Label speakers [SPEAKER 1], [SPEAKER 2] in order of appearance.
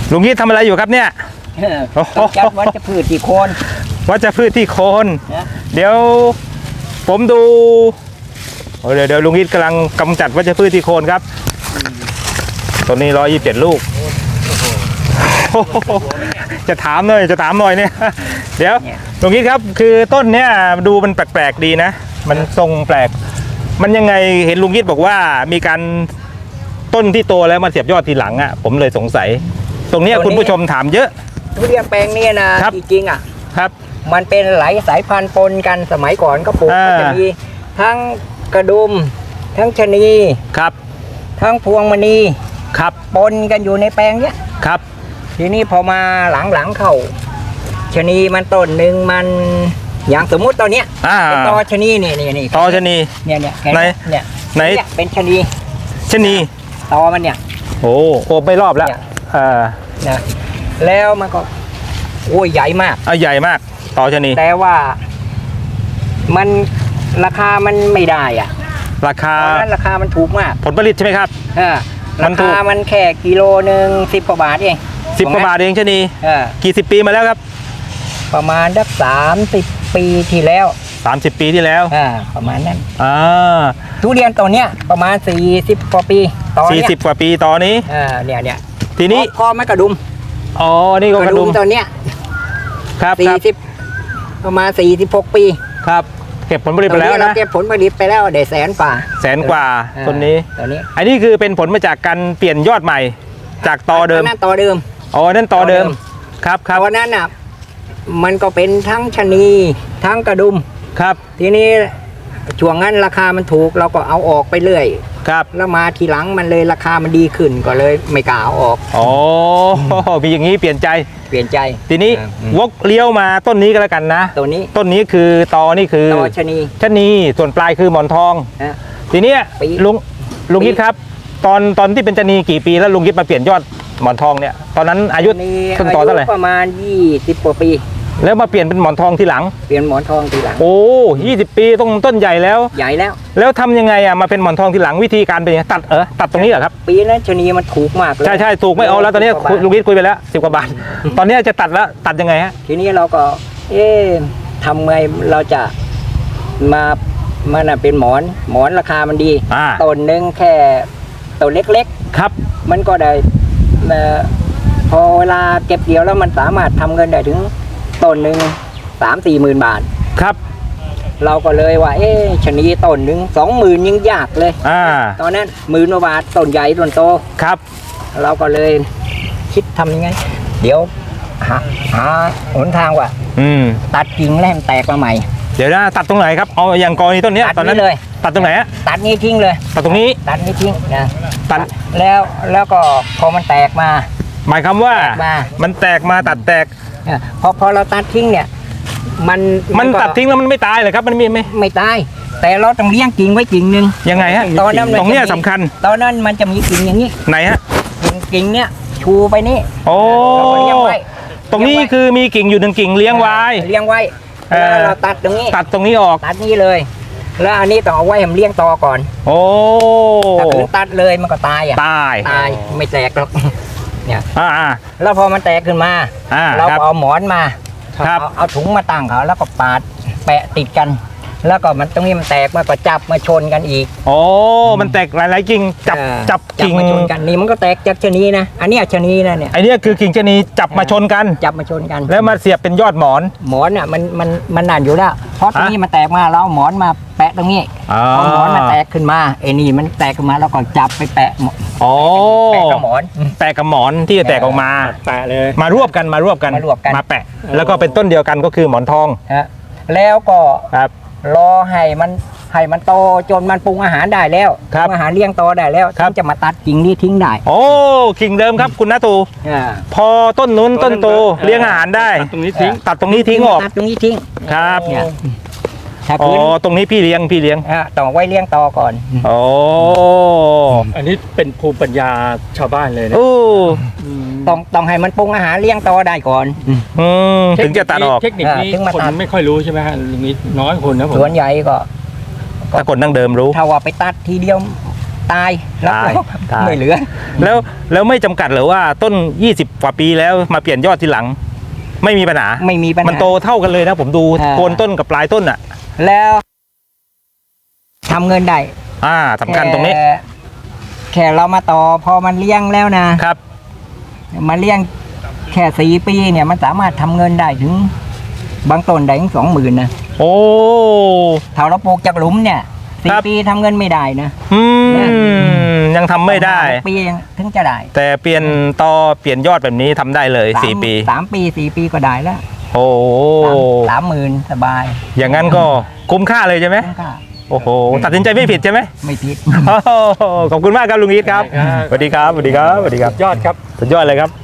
[SPEAKER 1] ลุงยิดทำอะไรอยู่ครับเนี่ย
[SPEAKER 2] ต้องจัดวัชพืชที่โคน
[SPEAKER 1] วัชพืชที่โคนเดี๋ยวผมดูเดี๋ยวลุงยิดกำลังกำจัดวัชพืชที่โคนครับต้นนี้127 ลูกจะถามหน่อยเนี่ยเดี๋ยวลุงยิดครับคือต้นเนี้ยดูมันแปลกๆดีนะมันทรงแปลกมันยังไงเห็นลุงยิดบอกว่ามีการต้นที่โตแล้วมาเสียบยอดทีหลังอ่ะผมเลยสงสัยตรงนี้คุณผู้ชมถามเยอะ
[SPEAKER 2] ทุเรียนแปลงนี้นะจริงๆอ่ะ
[SPEAKER 1] ครับ
[SPEAKER 2] มันเป็นหลายสายพันธุ์ปนกันสมัยก่อนก็ปลูกจะมีทั้งกระดุมทั้งชะนี
[SPEAKER 1] ครับ
[SPEAKER 2] ทั้งพวงมณี
[SPEAKER 1] ครับ
[SPEAKER 2] ปนกันอยู่ในแปลงเนี้ย
[SPEAKER 1] ครับ
[SPEAKER 2] ทีนี้พอมาหลังเข้าชะนีมันต้นหนึ่งมันอย่างสมมุติตอนเนี้ยเป็นตอชะนีนี่
[SPEAKER 1] ตอชะนี
[SPEAKER 2] เนี่ย
[SPEAKER 1] ไหน
[SPEAKER 2] เป็นชะนีตอมันเนี่ย
[SPEAKER 1] โอ้ไม่รอบแล้ว
[SPEAKER 2] นะแล้วมันก็โอ้ยใหญ่มาก
[SPEAKER 1] ใหญ่มากตอชะนี
[SPEAKER 2] แต่ว่ามันราคามันไม่ได้อ่ะ
[SPEAKER 1] ราคา
[SPEAKER 2] มันถูกมาก
[SPEAKER 1] ผลผลิตใช่ไหมครับ
[SPEAKER 2] ราคามันแค่กิโลหนึ่ง10 กว่าบาทเอง
[SPEAKER 1] 10 กว่าบาทเองชะนีกี่สิบปีมาแล้วครับ
[SPEAKER 2] ประมาณสัก30 ปีที่แล้ว
[SPEAKER 1] 30 ปีที่แล้ว
[SPEAKER 2] ประมาณนั้นทุเรียนตัวเนี้ยประมาณ40 กว่าปี
[SPEAKER 1] 40 กว่าปีตอนนี้
[SPEAKER 2] เนี่ย
[SPEAKER 1] ทีนี้
[SPEAKER 2] พอไม่กระดุม
[SPEAKER 1] นี่ก็กระดุม
[SPEAKER 2] ตัวเนี้ย
[SPEAKER 1] ครับ
[SPEAKER 2] ประมาณ46 ปี
[SPEAKER 1] ครับเก็บผลผลิตไปแล้วนะ
[SPEAKER 2] เก็บผลผลิตไปแล้วได้100,000 กว่า
[SPEAKER 1] ต้นนี้อันนี้คือเป็นผลมาจากการเปลี่ยนยอดใหม่จากตอเดิม
[SPEAKER 2] นั่นตอเดิม
[SPEAKER 1] นั่นตอเดิมครับ
[SPEAKER 2] ตอนนั้นอ่ะมันก็เป็นทั้งชะนีทั้งกระดุม
[SPEAKER 1] ครับ
[SPEAKER 2] ทีนี้ช่วงนั้นราคามันถูกเราก็เอาออกไปเรื่อย
[SPEAKER 1] ครับ
[SPEAKER 2] แล้วมาทีหลังมันเลยราคามันดีขึ้นก็เลยไม่กล้าเอาออก
[SPEAKER 1] มีอย่างนี้เปลี่ยนใจทีนี้วกเลี้ยวมาต้นนี้ก็แล้วกันนะต้นนี้คือตอนี่คือ
[SPEAKER 2] ตอชะนี
[SPEAKER 1] ส่วนปลายคือหมอนทองทีนี้ลุงยิดครับตอนที่เป็นชะนีกี่ปีแล้วลุงยิดมาเปลี่ยนยอดหมอนทองเนี่ยตอนนั้นอายุต้นตอเท่าไหร่
[SPEAKER 2] ประมาณ20 กว่าปี
[SPEAKER 1] แล้วมาเปลี่ยนเป็นหมอนทองทีหลัง
[SPEAKER 2] 20
[SPEAKER 1] ปีต้นใหญ่แล้ว แล้วทำยังไงมาเป็นหมอนทองทีหลังวิธีการเป็นยังไงตัดตรงนี้เหรอครับ
[SPEAKER 2] ปีนั้นชะนีมันถูกมากเลย
[SPEAKER 1] ใช่ถูกไม่เอาแล้วตอนนี้ลุงยิดคุยไปแล้ว10 กว่าบาทตอนนี้จะตัดแล้วตัดยังไงฮะ
[SPEAKER 2] ทีนี้เราก็ทำไงเราจะมันเป็นหมอนราคามันดีต้นหนึ่งแค่ต้นเล็ก
[SPEAKER 1] ๆครับ
[SPEAKER 2] มันก็ได้พอเวลาเก็บเกี่ยวแล้วมันสามารถทำเงินได้ถึงต้นหนึ่ง3-4 หมื่นบาท
[SPEAKER 1] ครับ
[SPEAKER 2] เราก็เลยว่าชะนีต้นหนึ่ง20,000ยังยากเลยตอนนั้น10,000 กว่าบาทต้นใหญ่ต้นโต
[SPEAKER 1] ครับ
[SPEAKER 2] เราก็เลยคิดทำยังไงเดี๋ยวหาหนทางว่าตัดกิ่งแล้วแตกมาใหม่
[SPEAKER 1] เดี๋ยวนะตัดตรงไหนครับเอาอย่างกรณีต้นนี้ตอนนั้น
[SPEAKER 2] เลย
[SPEAKER 1] ตัดตรงไหน
[SPEAKER 2] ตัดนี้ทิ้งเลย
[SPEAKER 1] ตัดตรงนี้
[SPEAKER 2] ทิ้งนะ
[SPEAKER 1] ตัด
[SPEAKER 2] แล้วก็พอมันแตกมา
[SPEAKER 1] หมายความว่ามันแตกมาตัดแตก
[SPEAKER 2] พอเราตัดทิ้งเนี่ย
[SPEAKER 1] มันตัดทิ้งแล้วมันไม่ตายเลยครับมัน
[SPEAKER 2] ไม่ตายแต่เราต้องเลี้ยงกิ่งไว้กิ่งหนึ่ง
[SPEAKER 1] ยังไงฮะตรงนี้สำคัญ
[SPEAKER 2] ตอนนั้นมันจะมีกิ่งอย่างนี้
[SPEAKER 1] ไหนฮะ
[SPEAKER 2] กิ่งเนี้ยชูไปนี่
[SPEAKER 1] ตรงนี้คือมีกิ่งอยู่1 กิ่งเลี้ยงไว้
[SPEAKER 2] แล้วเราตัดตรงนี้
[SPEAKER 1] ออก
[SPEAKER 2] ตัดนี้เลยแล้วอันนี้ต้องเอาไว้ให้มันเลี้ยงตอก่อนถ้าถึงตัดเลยมันก็ตายไม่แตกหรอกเนี่ยแล้วพอมันแตกขึ้นมาเราเอาหมอนมาเอาถุงมาตั้งเขาแล้วก็ปาดแปะติดกันแล้วก็มันตรงนี้มันแตกมาก็จับมาชนกันอีก
[SPEAKER 1] มันแตกหลายกิ่งจับกิ่ง
[SPEAKER 2] มาชนกันนี่มันก็แตกจากชะนีนะอันนี้ชะนีนะเนี่ย
[SPEAKER 1] อันนี้คือกิ่งชะนีจับมาชนกันแล้วมาเสียบเป็นยอดหมอน
[SPEAKER 2] อ่ะมันนานอยู่แล้วเพราะตรงนี้มันแตกมาเราเอาหมอนมาแปะตรงนี้พอหมอนมันแตกขึ้นมานี่มันแตกขึ้นมาแล้วก็จับไปแปะแปะกับหม
[SPEAKER 1] อนที่จะแตกออกมา
[SPEAKER 2] แปะเลย
[SPEAKER 1] มารวบกันมาแปะแล้วก็เป็นต้นเดียวกันก็คือหมอนทอง
[SPEAKER 2] แล้วก็รอให้มันโตจนมันปรุงอาหารได้แล้วปรุงอาหารเลี้ยงโตได้แล้วถึงจะมาตัดกิ่งนี้ทิ้งได้
[SPEAKER 1] กิ่งเดิมครับคุณนาตูพอต้นนู้นต้นโตเลี้ยงอาหารได้ตัดตรงนี้ทิ้งออก
[SPEAKER 2] ตัดตรงนี้ทิ้ง
[SPEAKER 1] ครับตรงนี้พี่เลี้ยง
[SPEAKER 2] ต้องไว้เลี้ยงโตก่อน
[SPEAKER 3] อันนี้เป็นภูมิปัญญาชาวบ้านเลยนะ
[SPEAKER 2] ต้องให้มันปรุงอาหารเลี้ยงโตได้ก่อน
[SPEAKER 1] ถึงจะตัดออก
[SPEAKER 3] เทคนิคนี้คนไม่ค่อยรู้ใช่ไหมฮะลุงนิดน้อยคนนะผม
[SPEAKER 2] ส่วนใหญ่ก็
[SPEAKER 1] ถ้าคนดั้งเดิมรู้
[SPEAKER 2] ถ้าว่าไปตัดทีเดียวตายแล้ว
[SPEAKER 1] ตาย
[SPEAKER 2] ไม่เหลือ
[SPEAKER 1] แล้วไม่จำกัดเหรือว่าต้น 20 กว่าปีแล้วมาเปลี่ยนยอดทีหลัง ไม่มีปัญหา
[SPEAKER 2] ไม่มีปัญหา
[SPEAKER 1] มันโตเท่ากันเลยนะผมดู
[SPEAKER 2] อ่า
[SPEAKER 1] โคนต้นกับปลายต้นอ่ะ
[SPEAKER 2] แล้วทำเงินได้
[SPEAKER 1] สำคัญตรงนี้
[SPEAKER 2] แค่เรามาต่อพอมันเลี้ยงแล้วนะครับ มาเลี้ยงแค่4 ปีเนี่ยมันสามารถทำเงินได้ถึงบางต้นได้ถึง20,000นะ
[SPEAKER 1] โอ้
[SPEAKER 2] ถ้าเราปลูกจากหลุมเนี่ย
[SPEAKER 1] ครับ
[SPEAKER 2] 4 ปีทำเงินไม่ได้นะ
[SPEAKER 1] ยังทำไม่ได้
[SPEAKER 2] 6 ปีถึงจะได้
[SPEAKER 1] แต่เปลี่ยนตอเปลี่ยนยอดแบบนี้ทำได้เลย 4 ปี
[SPEAKER 2] 3 ปี4 ปีก็ได้แล้ว
[SPEAKER 1] โอ้
[SPEAKER 2] 30,000สบาย
[SPEAKER 1] อย่างนั้นก็คุ้มค่าเลยใช่ไหม
[SPEAKER 2] คุ้มค่า
[SPEAKER 1] โอ้โห ตัดสินใจไม่ผิดใช่ไหม
[SPEAKER 2] ไม่ผิด
[SPEAKER 1] โอ้โหขอบคุณมากครับลุงอีทครับ
[SPEAKER 3] ได้ครับ
[SPEAKER 1] สวัสดีครับสวัสดีครับสวัสดีครับ
[SPEAKER 3] ยอดครับ
[SPEAKER 1] สุดยอดเลยครับ